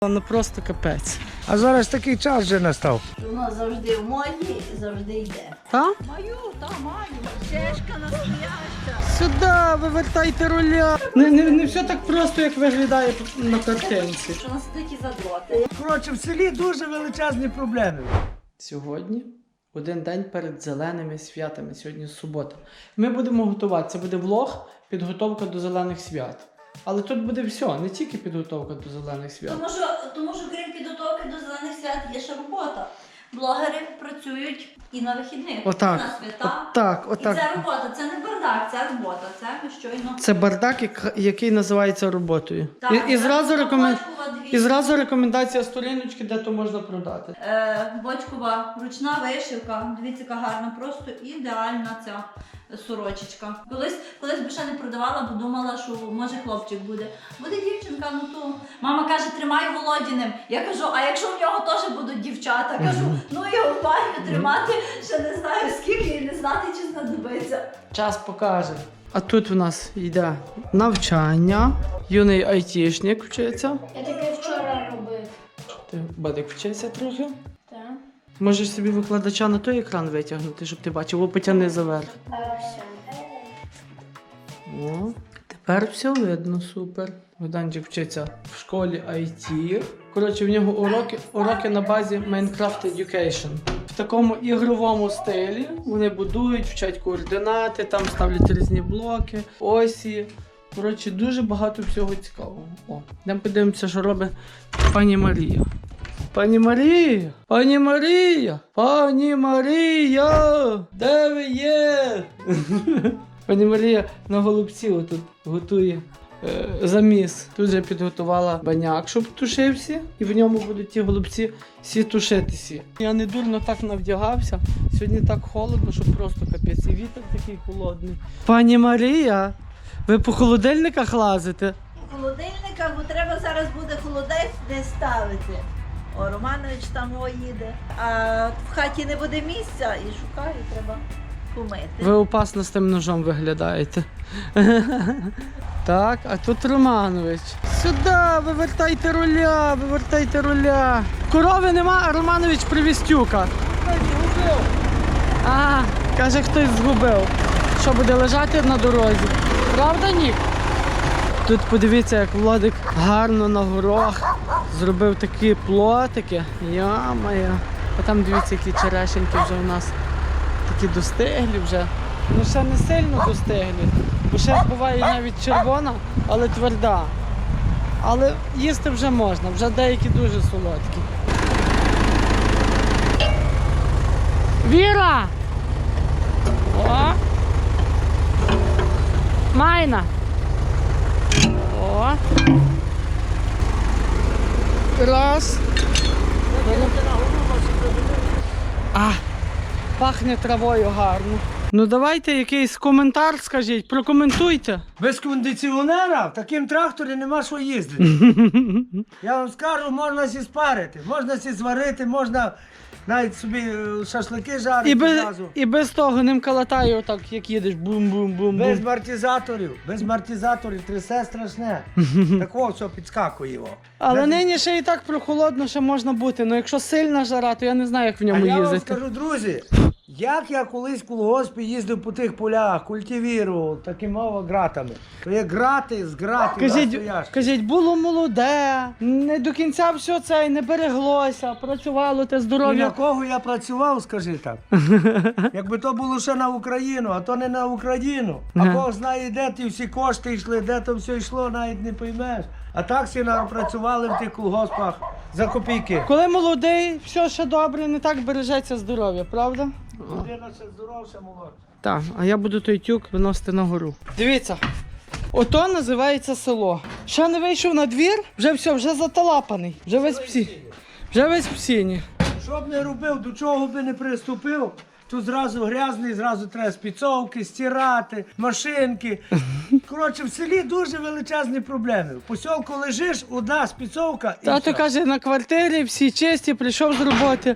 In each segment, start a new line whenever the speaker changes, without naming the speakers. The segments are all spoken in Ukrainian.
Ну просто капець.
А зараз такий час вже настав.
Воно завжди в моді і завжди йде.
Та?
Маю. Чешка настояща.
Сюди, вивертайте руля. Не все так просто, як виглядає на картинці.
Що нас такі задроти.
Коротше, в селі дуже величезні проблеми.
Сьогодні один день перед зеленими святами. Сьогодні субота. Ми будемо готувати. Це буде влог, підготовка до зелених свят. Але тут буде все, не тільки підготовка до зелених свят.
Тому що крім підготовки до зелених свят є ще робота. Блогери працюють і на вихідних,
Отак.
і на свята.
Отак.
І це робота, це не бардак, це робота, це ми щойно.
Це бардак, який називається роботою.
Так,
І зразу
Бочкова
і зразу рекомендація сторіночки, де то можна продати.
Бочкова ручна вишивка, дивіться, яка гарна, просто ідеальна ця сорочечка. Колись би ще не продавала, бо думала, що може хлопчик буде. Буде дівчинка, ну то. Мама каже, тримай Володіним. Я кажу, а якщо в нього теж будуть дівчата? Кажу, ну його в парі тримати, ще не знаю скільки і не знати, чи знадобиться.
Час покаже. А тут в нас йде навчання. Юний айтішник вчиться.
Я таке вчора робив.
Ти, Бадик, вчиться трохи.
Так.
Можеш собі викладача на той екран витягнути, щоб ти бачив, о, потягни заверх.
Все.
О, тепер все видно, супер. Богданчик вчиться в школі IT. Коротше, в нього уроки на базі Minecraft Education. В такому ігровому стилі вони будують, вчать координати, там ставлять різні блоки, осі. Коротше, дуже багато всього цікавого. О, йдемо подивимося, що робить пані Марія. Пані Марія! Пані Марія! Пані Марія! Де ви є? Пані Марія на голубці отут готує заміс. Тут вже підготувала баняк, щоб тушився, і в ньому будуть ті голубці всі тушитися. Я не дурно так навдягався. Сьогодні так холодно, що просто капець. І вітер такий холодний. Пані Марія, ви по холодильниках лазите?
У холодильниках, бо треба зараз буде холодець не ставити. О, Романович там їде. А в хаті не буде місця і шукаю, треба помити.
Ви опасно з тим ножом виглядаєте. Так, а тут Романович. Сюди, вивертайте руля, вивертайте руля. Корови нема, а Романович привіз тюка. А, каже, хтось згубив. Що, буде лежати на дорозі? Правда, Нік? Тут подивіться, як Владик гарно на горох зробив такі плотики. Йо-моє. А там дивіться, які черешеньки вже у нас такі достиглі вже. Ну ще не сильно достиглі. Бо ще буває навіть червона, але тверда. Але їсти вже можна, вже деякі дуже солодкі. Віра! О! Майна! О! Раз. А! Пахне травою гарно. Ну давайте якийсь коментар скажіть, прокоментуйте.
Без кондиціонера в таким тракторі нема що їздити. Я вам скажу, можна сі спарити, можна сі зварити, можна навіть собі шашлики жарити зразу.
І без того ним калатає отак, як їдеш, бум-бум-бум.
Без амортизаторів трясе страшне. Такого все підскакує його.
Але нині ще і так прохолодно ще можна бути. Ну якщо сильна жара, то я не знаю, як в ньому
А я вам
їздити.
скажу, друзі, як я колись в колгоспі їздив по тих полях, культивірував такими гратами. То є грати з гратів настоящих.
Кажіть, було молоде, не до кінця все це не береглося, працювало те
І на
здоров'я.
кого я працював, скажи так. Якби то було ще на Україну, а то не на Україну. А Бог знає, де ті всі кошти йшли, де то все йшло, навіть не поймеш. А так всі працювали в тих колгоспах за копійки.
Коли молодий, все ще добре, не так бережеться здоров'я, правда?
Людина ще здоровша, молодша.
Так, а я буду той тюк виносити на гору. Дивіться, ото називається село. Ще не вийшов на двір, вже все, вже заталапаний, вже весь в сіні.
Що б не робив, до чого би не приступив, тут зразу грязний, зразу треба спіцовки, стирати, машинки. Коротше, в селі дуже величезні проблеми. В посілку лежиш, одна спіцовка і
Тато
все.
каже, на квартирі всі чисті, прийшов з роботи.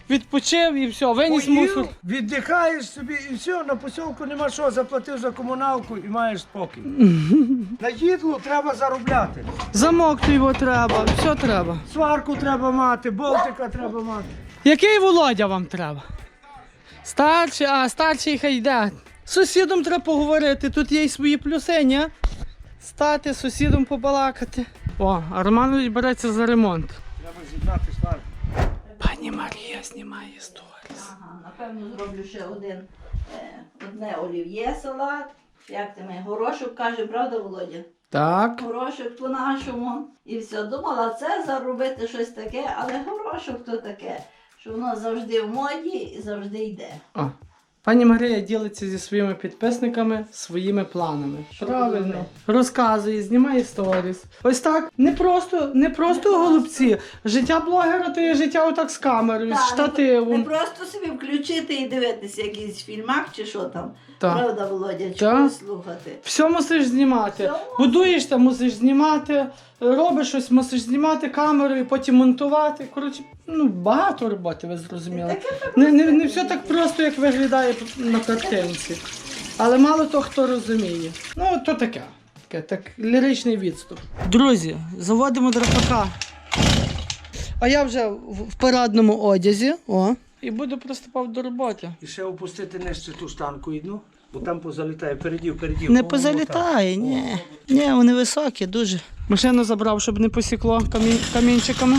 відпочив і все, виніс мусор.
Поїв, віддихаєш собі і все, на посілку нема що, заплатив за комуналку і маєш спокій. На їдлу треба заробляти.
Замок то його треба, все треба.
Сварку треба мати, болтика треба мати.
Який Володя вам треба? Старший, старший хай йде. З сусідом треба поговорити, тут є й свої плюси, ні? Стати, з сусідом побалакати. О, а Романович береться за ремонт.
Треба з'єднати сварку.
Пані Марія знімає сторіс.
Ага, напевно зроблю ще одне олів'є салат. Як ти мій горошок каже, правда, Володя?
Так.
Горошок по-нашому. І все, думала це заробити щось таке, але горошок то таке, що воно завжди в моді і завжди йде.
О. Пані Марія ділиться зі своїми підписниками своїми планами. Правильно. Розказує, знімає сторіс. Ось так. Не просто голубці. Життя блогера то є життя отак з камерою, з
Не
штативом.
просто собі включити і дивитися якийсь фільмак чи що там.
Так.
Правда, Володя, чи
Так.
когось слухати.
Все мусиш знімати.
Все
Будуєшся, мусиш знімати, робиш щось, мусиш знімати камерою, потім монтувати. Коротше, багато роботи, ви зрозуміли. Не все так просто, як виглядає на картинці. Але мало того, хто розуміє. Ну, то таке. Так, ліричний відступ. Друзі, заводимо драпака. А я вже в парадному одязі. О. І буду приступав до роботи.
І ще опустити нижче ту штанку одну, бо там позалітає, передів.
Не позалітає, ні. Ні, вони високі, дуже. Машину забрав, щоб не посікло камінчиками.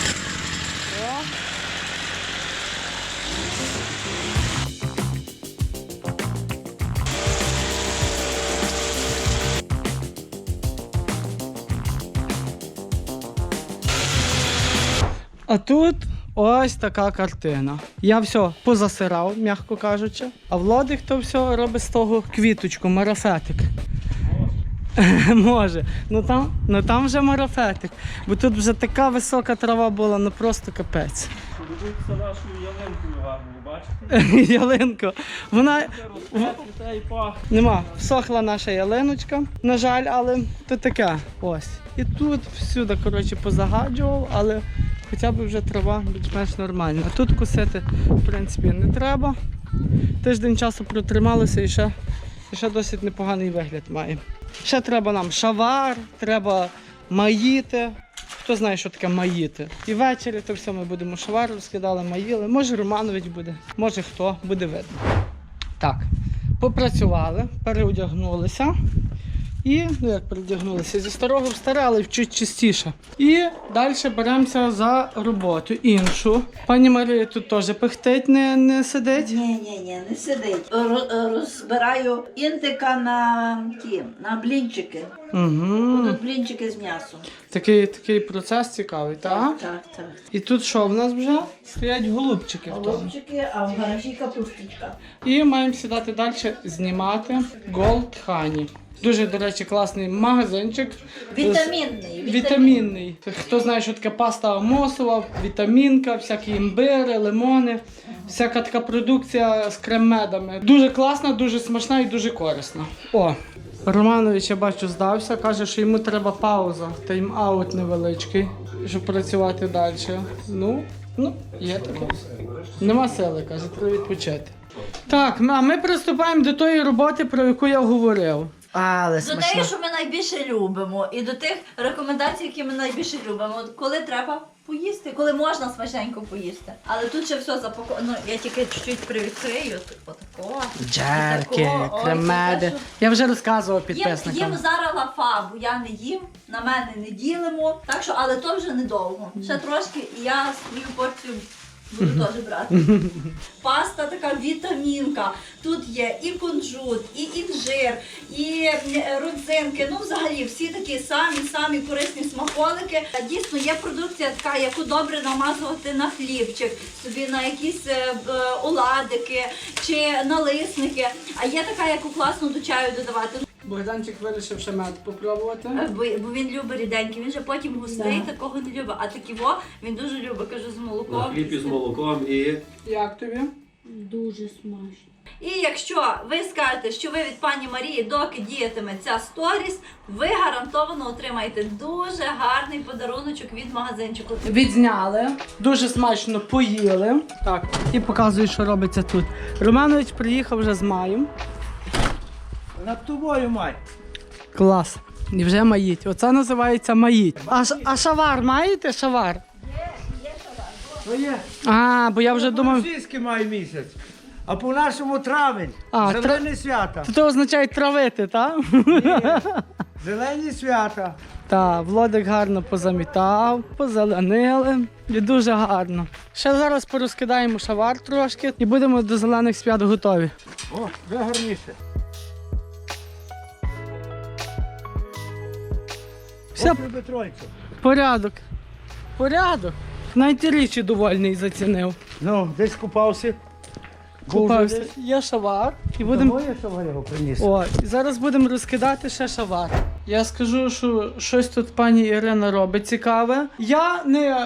А тут ось така картина. Я все позасирав, м'яко кажучи. А Владик то все робить з того квіточку, марафетик. Може. Ну там вже марафетик. Бо тут вже така висока трава була, ну просто капець.
Дивіться нашу ялинку гарну, бачите?
Ялинко. Вона
Та й пахне.
нема. Всохла наша ялиночка, на жаль, але то таке. Ось. І тут всюди, коротше, позагаджував, але хоча б вже трава більш-менш нормальна. А тут косити, в принципі, не треба. Тиждень часу протрималося і ще досить непоганий вигляд має. Ще треба нам шавар, треба маїти. Хто знає, що таке маїти. І ввечері то все ми будемо шавар розкидали, маїли. Може Романович буде, може хто, буде видно. Так, попрацювали, переодягнулися. І, як передягнулися, зі старого в старе, але чуть чистіше. І далі беремося за роботу іншу. Пані Марія тут теж пихтить, не сидить.
Ні, не сидить. Розбираю інтика на блінчики.
Угу.
Будуть блінчики з м'ясом.
Такий процес цікавий, так?
Так.
І тут що в нас вже? Стоять голубчики в тому.
Голубчики, а в гаражі капусточка.
І маємо сідати далі знімати Gold Honey. Дуже, до речі, класний магазинчик. Вітамінний. Хто знає, що таке паста амосова, вітамінка, всякі імбири, лимони, всяка така продукція з крем-медами. Дуже класна, дуже смачна і дуже корисна. О, Романович, я бачу, здався, каже, що йому треба пауза, тайм-аут невеличкий, щоб працювати далі. Ну, є таке. Нема сили, каже, треба відпочити. Так, а ми приступаємо до тої роботи, про яку я говорив. Але
До тих, що ми найбільше любимо, і до тих рекомендацій, які ми найбільше любимо. От коли треба поїсти, коли можна смачненько поїсти. Але тут ще все запаковано. Я тільки чуть-чуть привідкрию. Отако.
Джерки,
Ой,
кремеди.
це те,
Я вже розказував
Їм
підписникам.
зараз лафа, бо я не їм, на мене не ділимо. Так що, але то вже недовго. Ще трошки, і я свою порцію буду теж брати. Паста така вітамінка. Тут є і кунжут, і інжир, і родзинки. Ну, взагалі, всі такі самі корисні смаколики. Дійсно, є продукція така, яку добре намазувати на хлібчик, собі на якісь оладики чи налисники. А є така, яку класно до чаю додавати.
Богданчик вирішив ще мед попробувати.
Бо він любить ріденький, він же потім густий, такого не любить. А такого він дуже любить, кажу, з молоком.
Хліб із молоком і
Як тобі?
Дуже смачно.
І якщо ви скажете, що ви від пані Марії, доки діятиме ця сторіс, ви гарантовано отримаєте дуже гарний подаруночок від магазинчику.
Відзняли, дуже смачно поїли. Так, і показую, що робиться тут. Романович приїхав вже з маєм.
Над тобою, мать.
Клас. І вже маїть. Оце називається маїть. А шавар маєте? Шавар?
То є.
А, бо я вже думав.
Російський має місяць, а по-нашому травень.
А,
Зелені свята.
Це означає травити, так?
Зелені свята.
Так, Володик гарно позамітав, позеленили. І дуже гарно. Ще зараз порозкидаємо шавар трошки і будемо до зелених свят готові.
О, вже гарніше.
Все,
Ох, любить тройцю.
порядок. Порядок. Навіть і річі довольний зацінив.
Ну, десь купався.
Купався. Є шавар і будемо.
Тому я що його приніс.
О, і зараз будемо розкидати ще шавар. Я скажу, що щось тут пані Ірина робить цікаве. Я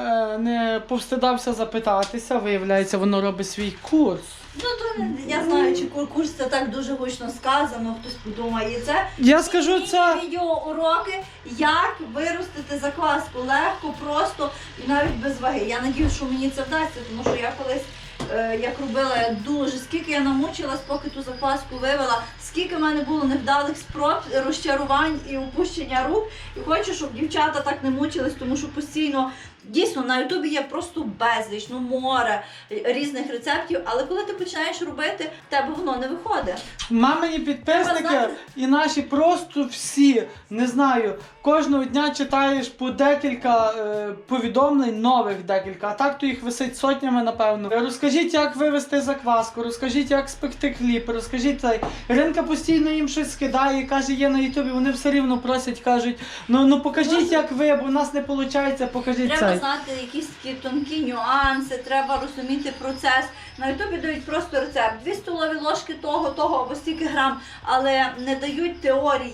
не повстидався запитатися, виявляється, воно робить свій курс.
Ну, то я знаю, чи курс це так дуже гучно сказано, хтось подумає це.
Я скажу, це
Відеоуроки, як виростити закваску легко, просто і навіть без ваги. Я надіюсь, що мені це вдасться, тому що я колись як робила я дуже, скільки я намучилась, поки ту закваску вивела, скільки в мене було невдалих спроб, розчарувань і опущення рук. І хочу, щоб дівчата так не мучились, тому що постійно, дійсно, на Ютубі є просто безліч, ну море різних рецептів, але коли ти починаєш робити, в тебе воно не виходить.
мамині підписники
Треба
і наші просто всі, не знаю, кожного дня читаєш по декілька повідомлень, нових декілька, а так то їх висить сотнями, напевно. Розкажіть, як вивести закваску, розкажіть, як спекти хліб, розкажіть цей. Іринка постійно їм щось скидає і каже, є на Ютубі, вони все рівно просять, кажуть, ну покажіть, як ви, бо в нас не виходить, покажіть
Треба
цей.
знати якісь такі тонкі нюанси, треба розуміти процес. На Ютубі дають просто рецепт. 2 столові ложки того, або стільки грам, але не дають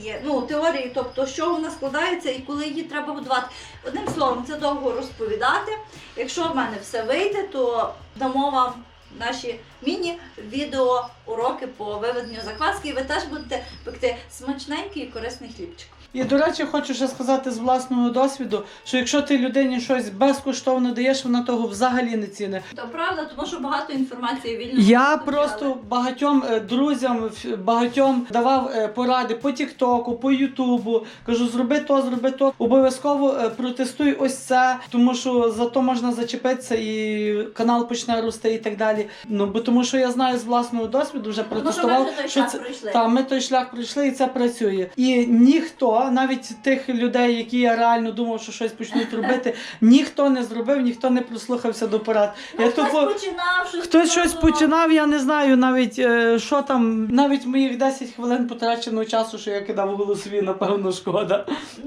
теорії, тобто, що вона складається і коли її треба готувати. Одним словом, це довго розповідати. Якщо в мене все вийде, то дамо вам наші міні-відео-уроки по виведенню закваски, і ви теж будете пекти смачненький і корисний хлібчик.
І, до речі, хочу ще сказати з власного досвіду, що якщо ти людині щось безкоштовно даєш, вона того взагалі не цінить.
То правда, тому що багато інформації вільно.
Я
доступні,
просто багатьом друзям, багатьом давав поради по Тіктоку, по Ютубу. Кажу, зроби то, обов'язково протестуй ось це, тому що за то можна зачепитися і канал почне рости і так далі. Ну, бо тому що я знаю з власного досвіду, вже
Тому що ми
протестував,
вже той
що
шлях
це
пройшли.
та ми той шлях пройшли і це працює. І ніхто, навіть тих людей, які я реально думав, що щось почнуть робити, ніхто не зробив, ніхто не прислухався до порад. Я
Хтось
тупо-
починав,
Хтось щось починав, я не знаю навіть, що там, навіть моїх 10 хвилин потраченого часу, що я кидав у голосові, напевно, шкода.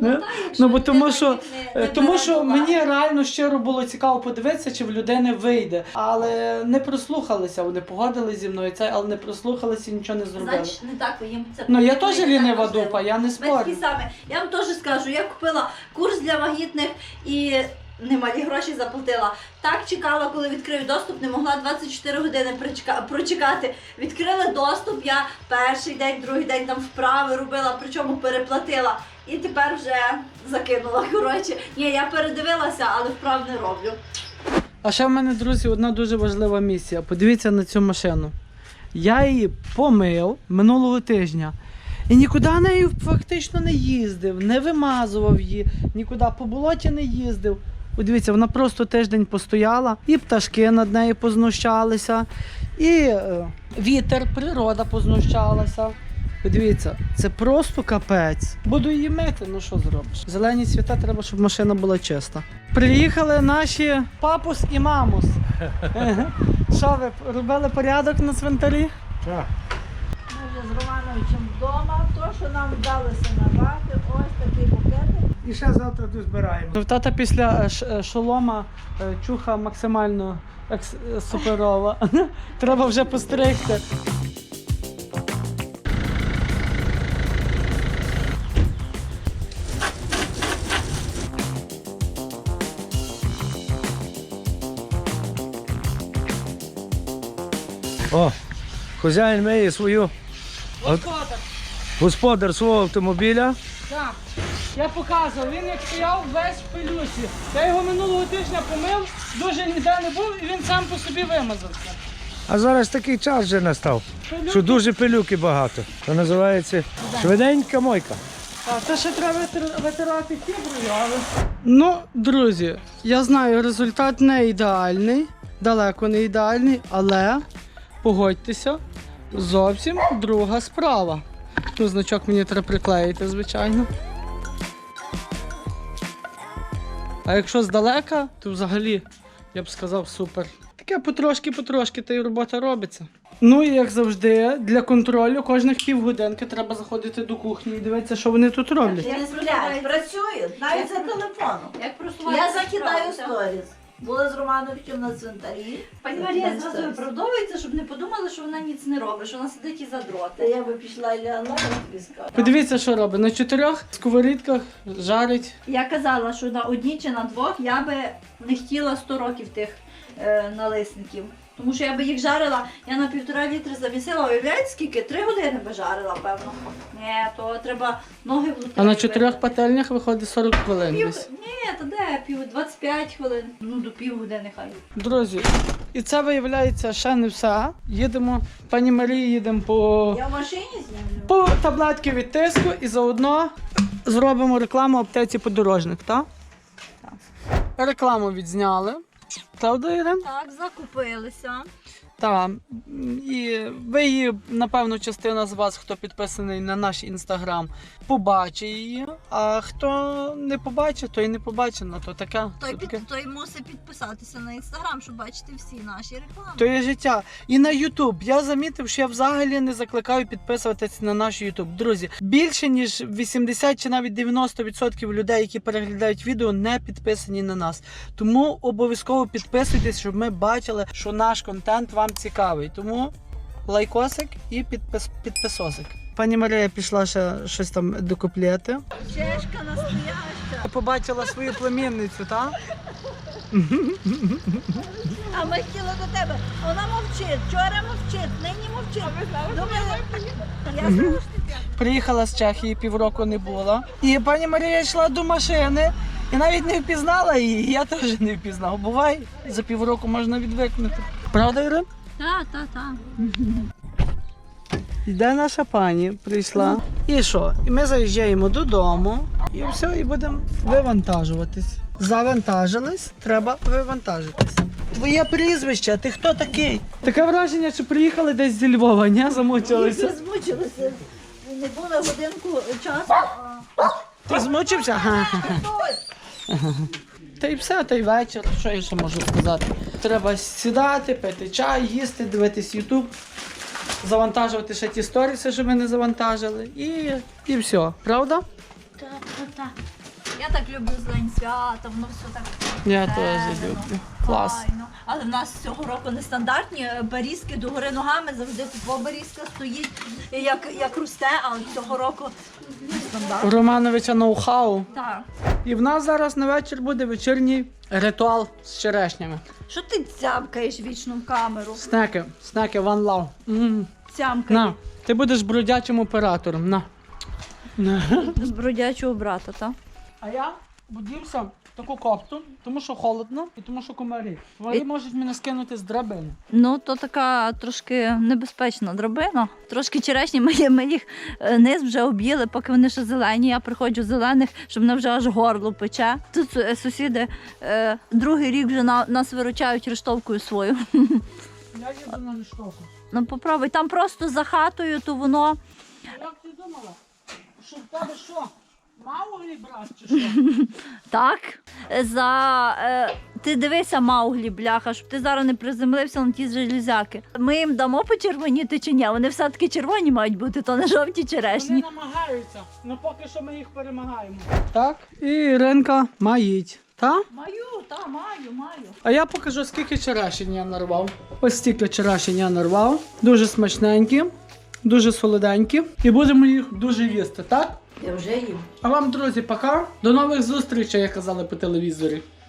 Ну, бо тому що мені реально щиро було цікаво подивитися, чи в людини вийде. Але не прослухалися, вони погодились зі мною, але не прослухалися і нічого не зробили.
Значить, не так їм це.
Ну, я
не
теж
так
лінива
важливо.
дупа, я не
Ми
спорю.
такі самі. Я вам теж скажу, я купила курс для вагітних і немалі гроші заплатила. Так чекала, коли відкрив доступ, не могла 24 години прочекати. Відкрили доступ, я перший день, другий день там вправи робила, причому переплатила. І тепер вже закинула. Коротше, ні, я передивилася, але вправ не роблю.
А ще в мене, друзі, одна дуже важлива місія. Подивіться на цю машину. Я її помив минулого тижня. І нікуди нею фактично не їздив, не вимазував її, нікуди по болоті не їздив. Подивіться, вона просто тиждень постояла, і пташки над нею познущалися, і вітер, природа познущалася. Подивіться, це просто капець. Буду її мити, ну що зробиш? Зелені свята, треба, щоб машина була чиста. Приїхали наші папус і мамус. Що ви, робили порядок на цвинтарі?
Так.
Ми вже з Романовичем вдома, то, що нам вдалося набрати, ось такі букети.
І ще завтра тут збираємо.
В тата після шолома чуха максимально суперова. Треба вже постригти.
О, Хазяїн миє господар свого автомобіля.
Так, я показував, він як стояв весь в пилюсі. Я його минулого тижня помив, дуже ніде не був і він сам по собі вимазався.
А зараз такий час вже настав, що дуже пилюки багато. Це називається швиденька мойка.
А це ще треба витирати фіброю, але... Ну, друзі, я знаю, результат не ідеальний, далеко не ідеальний, але, погодьтеся, зовсім друга справа. Ну, значок мені треба приклеїти, звичайно. А якщо здалека, то взагалі, я б сказав, супер. Таке потрошки-потрошки та й робота робиться. Ну і як завжди, для контролю кожних півгодинки треба заходити до кухні і дивитися, що вони тут роблять.
Не сплять, працюють, навіть за телефоном.
Як просувається
Я закидаю
справа.
сторіс. Були з Романовичем на цвинтарі.
Пані Марія зразу виправдовується, щоб не подумали, що вона ніц не робить, що вона сидить і
Та
задроти.
я би пішла і лягла, тобі скажу.
Подивіться, що робить. На 4 сковорідках жарить.
Я казала, що на одній чи на двох я би не хотіла 100 років тих налисників. Тому що я би їх жарила, я на 1,5 літри завісила, уявляєте скільки? 3 години би жарила, певно. Ні, то треба ноги в лотерею.
А на 4 пательнях виходить 40 хвилин десь.
Ні, то де? 25 хвилин. Ну, до півгодини хай.
Друзі, і це виявляється ще не все. Їдемо, пані Марії, їдемо
Я в машині знімлю.
по таблетки від тиску і заодно зробимо рекламу аптеці подорожник, так?
Так.
Рекламу відзняли. Правда, Ірин?
Так, закупилися.
Так. І ви її, напевно, частина з вас, хто підписаний на наш інстаграм, побачить її. А хто не побачить, то і не побачить. Ну, то таке. То таке.
Той мусить підписатися на інстаграм, щоб бачити всі наші реклами.
То є життя. І на Ютуб. Я замітив, що я взагалі не закликаю підписуватися на наш Ютуб. Друзі, більше ніж 80 чи навіть 90% людей, які переглядають відео, не підписані на нас. Тому обов'язково підписуйтесь, щоб ми бачили, що наш контент вам цікавий. Тому лайкосик і підписосик. Пані Марія пішла ще щось там докуплети.
Чешка настояща.
Побачила свою племінницю, так?
А ми хотіли до тебе. Вона мовчить, вчора мовчить, нині мовчить. Думали, я слушаю.
Приїхала з Чехії, півроку не була. І пані Марія йшла до машини і навіть не впізнала її. Я теж не впізнав. Буває, за півроку можна відвикнути. Правда, Ірин?
Так.
Йде наша пані, прийшла. І що? І ми заїжджаємо додому і все, і будемо вивантажуватись. Завантажились, треба вивантажитись. Твоє прізвище, ти хто такий? Таке враження, що приїхали десь зі Львова, ні? Замучилися.
Ми змучилися. Не було годинку часу.
Ти змучився? Та й все, та й вечір. Що я ще можу сказати? Треба сідати, пити чай, їсти, дивитись Ютуб, завантажувати ще ті сторіси, що ми не завантажили. І все. Правда?
Так. Я так люблю зелень свята, воно все так.
Я
зелено,
теж люблю. Клас.
файно. Але в нас цього року нестандартні берізки догори ногами, завжди тупо берізка стоїть, як росте, але цього року
У
нестандартно.
Романовича ноу-хау.
Так.
І в нас зараз на вечір буде вечірній ритуал з черешнями.
Що ти цямкаєш вічно в камеру?
Снеки, one love.
Цямкаєш.
На, ти будеш бродячим оператором. На.
З бродячого брата, так?
А я будівся в таку копту, тому що холодно і тому що комарі. Вони можуть мене скинути з драбини.
Ну, то така трошки небезпечна драбина. Трошки черешні, ми їх низ вже об'їли, поки вони ще зелені. Я приходжу зелених, щоб мене вже аж горло пече. Тут сусіди другий рік вже нас виручають рештовкою свою.
Я їду на ліштовку.
Ну, попробуй. Там просто за хатою, то воно...
Як ти думала? Що в тебе що? Мауглі брат чи що?
Так. Ти дивися, Мауглі, бляха, щоб ти зараз не приземлився на ті железяки. Ми їм дамо почервоніти чи ні? Вони все-таки червоні мають бути, то не жовті черешні.
Вони намагаються, але поки що ми їх перемагаємо. Так, і Іринка маїть. Так?
Маю.
А я покажу, скільки черешень я нарвав. Ось стільки черешень я нарвав. Дуже смачненькі, дуже солоденькі. І будемо їх дуже їсти, так?
Я вже їм.
А вам, друзі, пока. До нових зустрічей, як казали по телевізорі.